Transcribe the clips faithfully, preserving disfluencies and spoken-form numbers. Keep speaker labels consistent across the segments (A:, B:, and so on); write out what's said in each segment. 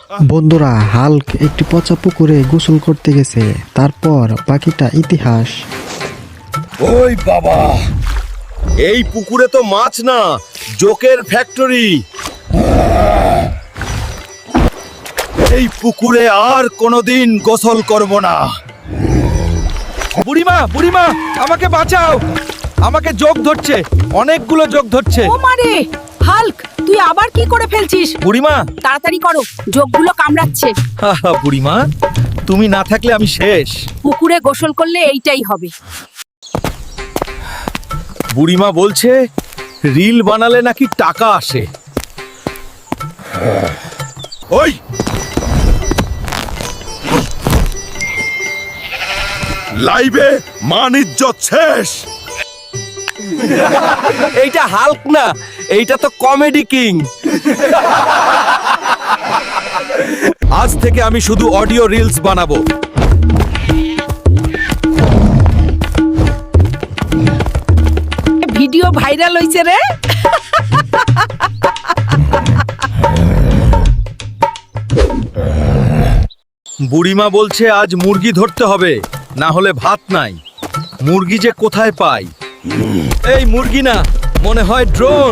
A: বন্ধুরা, হাল্ক একটি পচা পুকুরে গোসল করতে গেছে। তারপর বাকিটা ইতিহাস।
B: ওই বাবা, এই পুকুরে তো মাছ না, জোকের ফ্যাক্টরি। এই পুকুরে আর কোনোদিন গোসল করব না। বুড়িমা, বুড়িমা, আমাকে বাঁচাও, আমাকে জোক ধরছে, অনেকগুলো জোক ধরছে।
C: ও মারে, হাল্ক তুই আবার কি করে ফেলছিস?
B: বুড়িমা,
C: তাড়াতাড়ি করো, যোগগুলো কামড়াচ্ছে।
B: হাহা, বুড়িমা তুমি না থাকলে আমি শেষ।
C: পুকুরে গোসল করলে এইটাই হবে।
B: বুড়িমা বলছে রিল বানালে নাকি টাকা আসে। ওই লাইভে মান ইজ্জত শেষ। এইটা হাল্ক না, এইটা তো কমেডি কিং। আজ থেকে আমি শুধু অডিও রিলস বানাবো।
C: ভিডিও ভাইরাল হইছে রে।
B: বুড়িমা বলছে আজ মুরগি ধরতে হবে, না হলে ভাত নাই। মুরগি যে কোথায় পাই? এই মুরগি না, মনে হয় ড্রোন।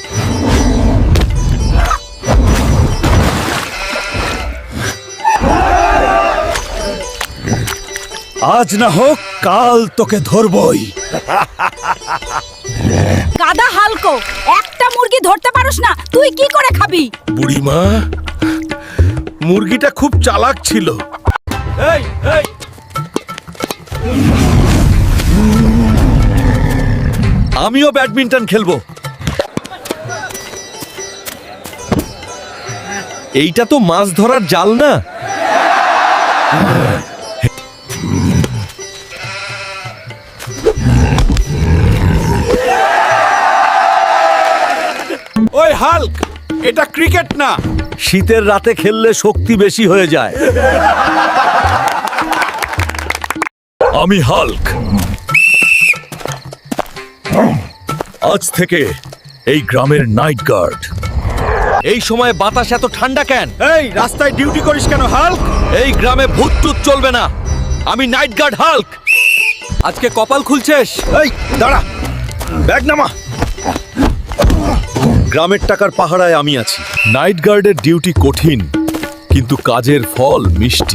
B: আজ না হোক কাল তোকে ধরবই।
C: গাদা হালকো, একটা মুরগি ধরতে পারোস না, তুই কি করে খাবি?
B: বুড়িমা, মুরগিটা খুব চালাক ছিল। এই এই আমিও ব্যাডমিন্টন খেলবো। এইটা তো মাছ ধরার জাল না। ওই হাল্ক, এটা ক্রিকেট না। শীতের রাতে খেললে শক্তি বেশি হয়ে যায়। আমি হাল্ক। আজ থেকে এই গ্রামের নাইট গার্ড। এই সময় বাতাস এত ঠান্ডা কেন? এই রাস্তায় ডিউটি করিস কেন হাল্ক? এই গ্রামে ভূত টুত চলবে না। আমি নাইট গার্ড হাল্ক। আজকে কপাল খুলছিস? এই দাঁড়া, ব্যাগ নামা। গ্রামের টাকার পাহারায় আমি আছি। নাইট গার্ডের ডিউটি কঠিন, কিন্তু কাজের ফল মিষ্টি।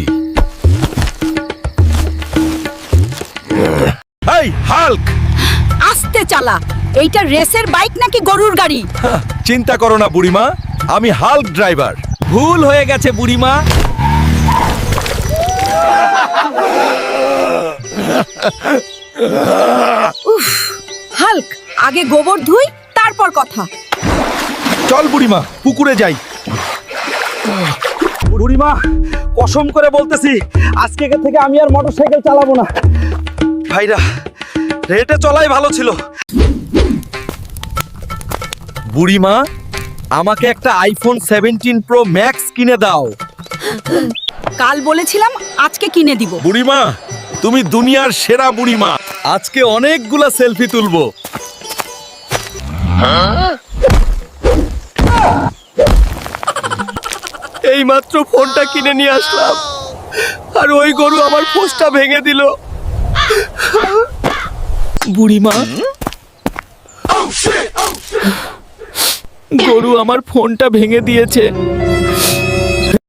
B: এই হাল্ক,
C: আস্তে চালা, এইটা রেসের বাইক নাকি গরুর গাড়ি?
B: চিন্তা করো না বুড়িমা, আমি হাল্ক ড্রাইভার। ভুল হয়ে গেছে বুড়িমা।
C: উফ, হাল্ক আগে গোবর ধুই, তারপর কথা।
B: চল বুড়িমা, পুকুরে যাই। বুড়িমা, কসম করে বলতেছি আজকে থেকে আমি আর মোটরসাইকেল চালাবো না। ভাইরা, রেটে চলাই ভালো ছিল। বুড়িমা, আমাকে একটা আইফোন সেভেন্টিন প্রো ম্যাক্স কিনে দাও।
C: কাল বলেছিলাম আজকে কিনে দিব।
B: বুড়িমা, তুমি দুনিয়ার সেরা বুড়িমা। আজকে অনেকগুলা সেলফি তুলবো। এই মাত্র ফোনটা কিনে নিয়ে আসলাম, আর ওই গরু আমার পোস্টটা ভেঙে দিল। বুড়িমা, গরু আমার ফোনটা ভেঙে দিয়েছে।